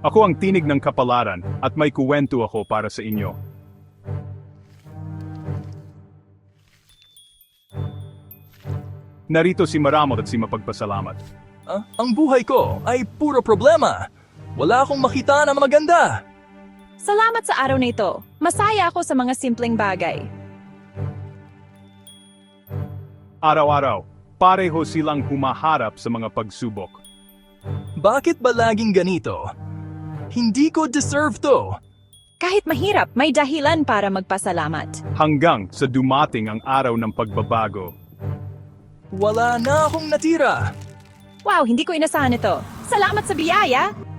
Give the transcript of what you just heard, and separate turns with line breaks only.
Ako ang tinig ng kapalaran at may kuwento ako para sa inyo. Narito si Maramot at si Mapagpasalamat.
Ang buhay ko ay puro problema. Wala akong makita na maganda.
Salamat sa araw na ito. Masaya ako sa mga simpleng bagay.
Araw-araw, pareho silang humaharap sa mga pagsubok.
Bakit ba laging ganito? Hindi ko deserve to.
Kahit mahirap, may dahilan para magpasalamat.
Hanggang sa dumating ang araw ng pagbabago.
Wala na akong natira.
Wow, hindi ko inasahan ito. Salamat sa biyaya!